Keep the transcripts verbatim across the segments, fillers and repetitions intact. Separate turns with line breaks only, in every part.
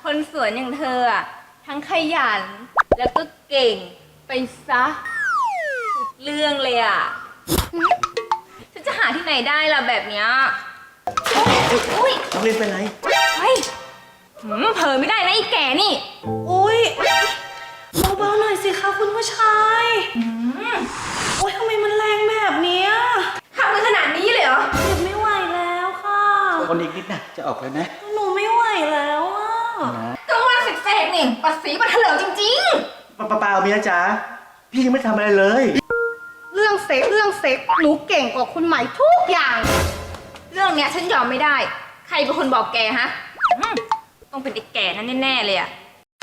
คนสวนอย่างเธออะทั้งขยันแล้วก็เก่งไปซะทุกเรื่องเลยอ่ะฉันจะหาที่ไหนได้ล่ะแบบเนี้ยอุ้ย
น้องเล่นเป็นไร
เฮ้ยหืมเผลอไม่ได้นะไอ้แก่นี่
อุ้ยเบาๆหน่อยสิคะคุณผู้ชายโอ้ยทำไมมันแรงแบบเนี้ย
ทำกันขนาดนี้เลยเหรอ
เจ็บไม่ไหวแล้วค่ะ
คนอีกนิดนะจะออกแล้วนะ
หนูไม่ไหวแล้วอ่ะ
นะ
ก็ว่าเสกๆนี่ปัดสีปัดเถลิงจริง
ป้าป้าเมียจ๋าพี่ยังไม่ทำอะไรเลย
เรื่องเซ็กเรื่องเซ็กหนูเก่งกว่าคุณใหม่ทุกอย่าง
ๆ เรื่องเนี้ยฉันยอมไม่ได้ ใครเป็นคนบอกแกฮะอืมต้องเป็นไอ้แก่นั่นแน่ๆเลยอะ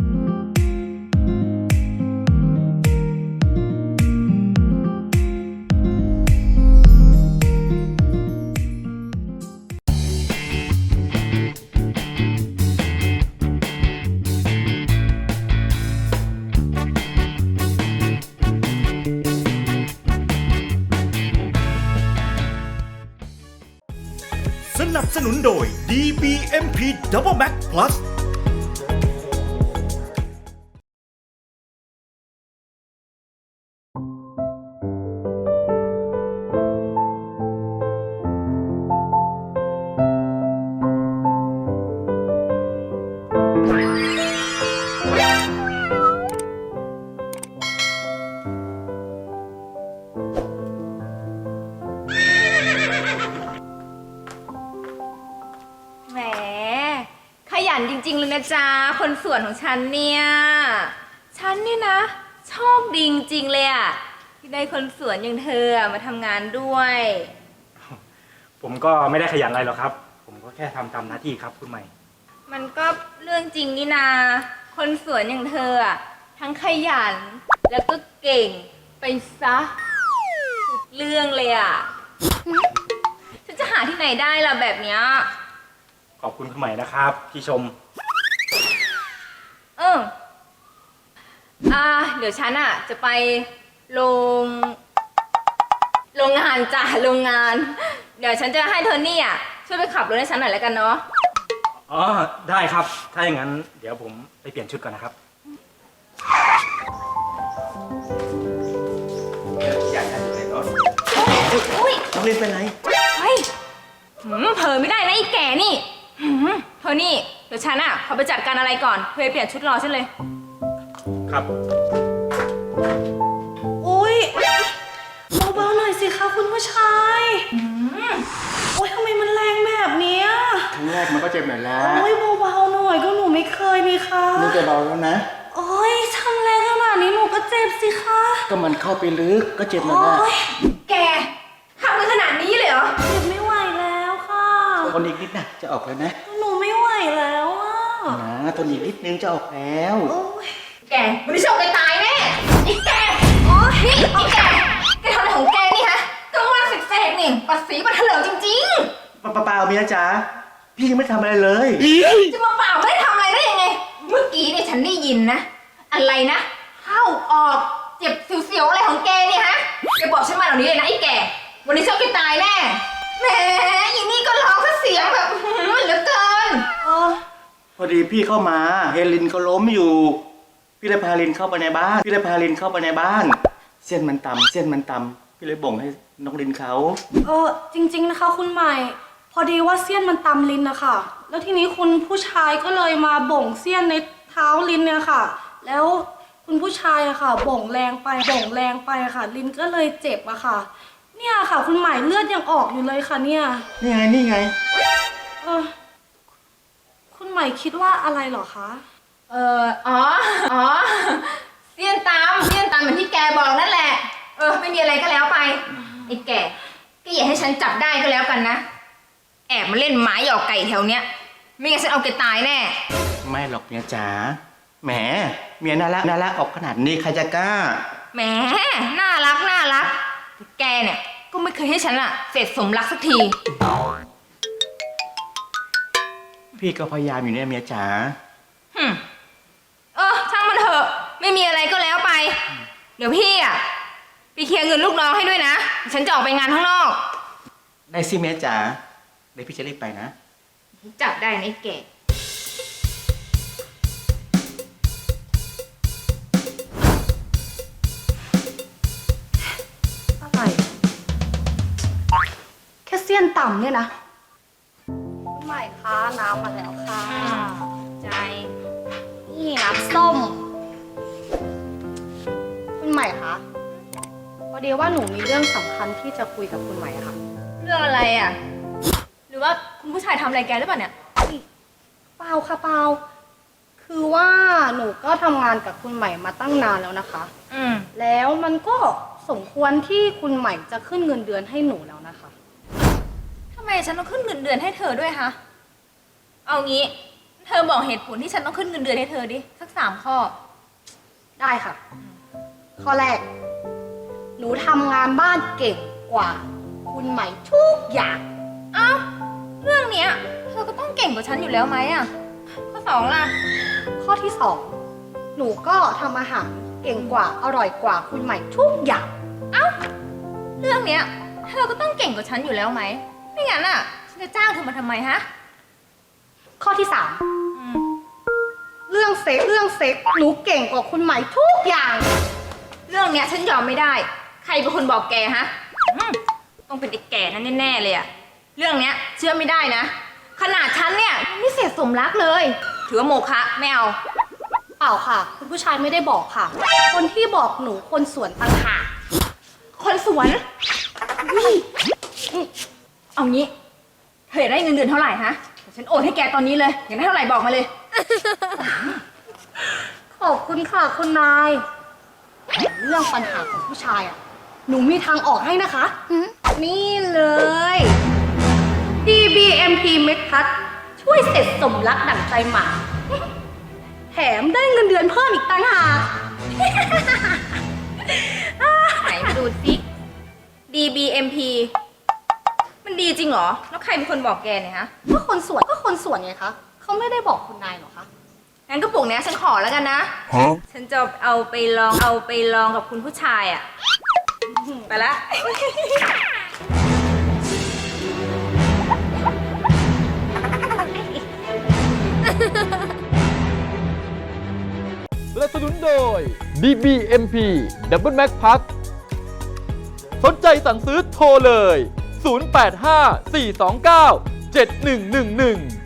สนับสนุนโดย ดี บี เอ็ม พี Double Max Plus
แหมขยันจริงๆเลยนะจ๊ะคนสวนของฉันเนี่ย ฉันนี่นะโชคดีจริงๆเลยอะที่ได้คนสวนอย่างเธอมาทำงานด้วย
ผมก็ไม่ได้ขยันอะไรหรอกครับ ผมก็แค่ทำตามหน้าที่ครับคุณใหม่
มันก็เรื่องจริงนี่นาคนสวนอย่างเธออะทั้งขยันแล้วก็เก่งไปซะทุกเรื่องเลยอะฉันจะหาที่ไหนได้ล่ะแบบเนี้ย
ขอบคุณคุณใหม่นะครับที่ชม
เอออ่าเดี๋ยวฉันอะจะไปโรงโรงงานจ้ะโรงงาน เดี๋ยวฉันจะให้โทนี่อะช่วยไปขับรถให้ฉันหน่อยแล้วกันเนาะ
อ๋อ ได้ครับ ถ้าอย่างนั้นเดี๋ยวผมไปเปลี่ยนชุดก่อนนะครับ
อยากอยู่ในรถ
อุ้ย
น้องเล่นเป็นไร
เฮ้ยหืมเผลอไม่ได้นะไอ้แก่นี่หืมโทนี่เดี๋ยวฉันอะขอไปจัดการอะไรก่อนเพื่อไปเปลี่ยนชุดรอฉันเลย
ครับ
อุ้ยเบาๆหน่อยสิคะคุณผู้ชายโอ้ยทำไมมันแรงแบบเนี้ย
ครั้งแรกมันก็เจ็บหน่อยแล้ว
โอ้ยเบาๆหน่อยก็หนูไม่เคยนี่คะ
นี่จะเบาแล้วนะ
โอ้ยทำแรงขนาดนี้หนูก็เจ็บสิคะ
ก็มันเข้าไปลึกก็เจ็บหน่อยนะ
โอ้ย
แกทำกันขนาดนี้เลยเหรอ
เจ็บไม่ไหวแล้วค่ะ
คนอีกนิดนะจะออกแล้วนะ
หนูไม่ไหวแล้วอ่ะ
นะทนอีกนิดนึงจะออกแล้ว
โอ้ย
แกวันนี้โชคไปตายแน่ไอ้แกโอ้ยนี่ไอ้แกแกทำอะไรของแกนี่ฮะก็ว่าเสกๆนี่ปัดสีปัดเถลิงจริงๆ
ป้าป้าเมียจ๋าพี่ยังไม่ทำอะไรเลย
จะมาเปล่าไม่ได้ทำอะไรได้ยังไง เมื่อกี้เนี่ยฉันได้ยินนะ อะไรนะ เข้าออกเจ็บเสียวๆอะไรของแกเนี่ยฮะแกบอกฉันมาเหล่านี้เลยนะไอ้แก วันนี้ฉันไปตายแน่ แหมอีนี่ก็ร้องซะเสียงแบบหืมเหลือเกิน
เออ
พอดีพี่เข้ามาเฮลินก็ล้มอยู่ พี่เลยพาลินเข้าไปในบ้าน พี่เลยพาลินเข้าไปในบ้าน เส้นมันต่ำเส้นมันต่ำพี่เลยบ่งให้น้องลินเขา
เออจริงๆนะคะคุณใหม่ พอดีว่าเสี้ยนมันตำลิ้นนะคะแล้วทีนี้คุณผู้ชายก็เลยมาบ่งเสี้ยนในเท้าลิ้นเนี่ยค่ะ แล้วคุณผู้ชายอะค่ะ บ่งแรงไปบ่งแรงไปอะค่ะ ลิ้นก็เลยเจ็บอะค่ะ เนี่ยค่ะ คุณใหม่เลือดยังออกอยู่เลยค่ะ เนี่ย
นี่ไงนี่ไง
เออคุณใหม่คิดว่าอะไรเหรอคะ
เอออ๋อ อ๋อ เสี้ยนตามเสี้ยนตามเหมือนที่แกบอกนั่นแหละ เออ ไม่มีอะไรก็แล้วไป ไอ้แกก็อย่าให้ฉันจับได้ก็แล้วกันนะ แอบมาเล่นหมาหยอกไก่แถวเนี้ย ไม่งั้นฉันเอาแกตายแน่
ไม่หรอกเมียจ๋าแหมเมียน่ารักน่ารักออกขนาดนี้ใครจะกล้า
แหม น่ารัก น่ารัก แกเนี่ย ก็ไม่เคยให้ฉันอะเสร็จสมรักสักที
พี่ก็พยายามอยู่เนี่ยเมียจ๋า
หึมเออ ช่างมันเถอะ ไม่มีอะไรก็แล้วไป เดี๋ยวพี่อะไปเคลียร์เงินลูกน้องให้ด้วยนะ ฉันจะออกไปงานข้างนอก
ได้สิเมียจ๋าเดี๋ยวพี่จะรีบไปนะ
จับได้นะไอ้แก
ต่ำเนี่ยนะคุณใหม่คะน้ำมาแล้วค่ะ
ใจ
นี่น้ำส้ม คุณใหม่คะพอดีว่าหนูมีเรื่องสำคัญที่จะคุยกับคุณใหม่อะค่ะ
เรื่องอะไรอ่ะ หรือว่าคุณผู้ชายทำอะไรแกหรือเปล่าเนี่ย
เปล่าค่ะเปล่าคือว่าหนูก็ทำงานกับคุณใหม่มาตั้งนานแล้วนะคะ
อืม
แล้วมันก็สมควรที่คุณใหม่จะขึ้นเงินเดือนให้หนูแล้วนะคะ
ทำไมฉันต้องขึ้นเงินเดือนให้เธอด้วยคะเอางี้ เธอบอกเหตุผลที่ฉันต้องขึ้นเงินเดือนให้เธอดิ สักสามข้อ
ได้ค่ะ ข้อแรก หนูทำงานบ้านเก่งกว่า คุณใหม่ทุกอย่าง
เอ้า เรื่องเนี้ย เธอก็ต้องเก่งกว่าฉันอยู่แล้วไหมอ่ะ ข้อสองล่ะ
ข้อที่สองหนูก็ทำอาหารเก่งกว่าอร่อยกว่าคุณใหม่ทุกอย่าง
เรื่องเนี้ย เธอก็ต้องเก่งกว่าฉันอยู่แล้วไหม ไม่งั้นอ่ะ ฉันจะจ้างเธอมาทำไมฮะ
ข้อที่สาม
อืม
เรื่องเซ็กเรื่องเซ็กหนูเก่งกว่าคุณใหม่ทุกอย่าง
เรื่องเนี้ยฉันยอมไม่ได้ ใครเป็นคนบอกแกฮะอืมต้องเป็นไอ้แก่นั่นแน่ๆเลยอะเรื่องเนี้ยเชื่อไม่ได้นะ ขนาดฉันเนี่ยยังไม่เสร็จสมรักเลย ถือว่าโมฆะไม่เอา
เปล่าค่ะ คุณผู้ชายไม่ได้บอกค่ะ คนที่บอกหนูคนสวนต่างหาก
คนสวนอุ๊ยอืมเอางี้เธออยากได้เงินเดือนเท่าไหร่ฮะเดี๋ยวฉันโอนให้แกตอนนี้เลยอยากได้เท่าไหร่บอกมาเลย
ขอบคุณค่ะคุณนายแต่เรื่องปัญหาของผู้ชายอ่ะ หนูมีทางออกให้นะคะหืมนี่เลย ดี บี เอ็ม พี Med Plus ช่วยเสร็จสมรักดั่งใจหมา แถมได้เงินเดือนเพิ่มอีกต่างหาก
ไหนมาดูสิ ดี บี เอ็ม พี มันดีจริงเหรอ แล้วใครเป็นคนบอกแกเนี่ยฮะ
ก็คนสวนก็คนสวนไงคะเขาไม่ได้บอกคุณนายหรอคะ
งั้นกระปุกเนี้ยฉันขอแล้วกันนะ ฉันจะเอาไปลองเอาไปลองกับคุณผู้ชายอ่ะ ไปละ
สนับสนุนโดย ดี บี เอ็ม พี Double Max Plus สนใจสั่งซื้อโทรเลย ศูนย์ แปด ห้า สี่ สอง เก้า เจ็ด หนึ่ง หนึ่ง หนึ่ง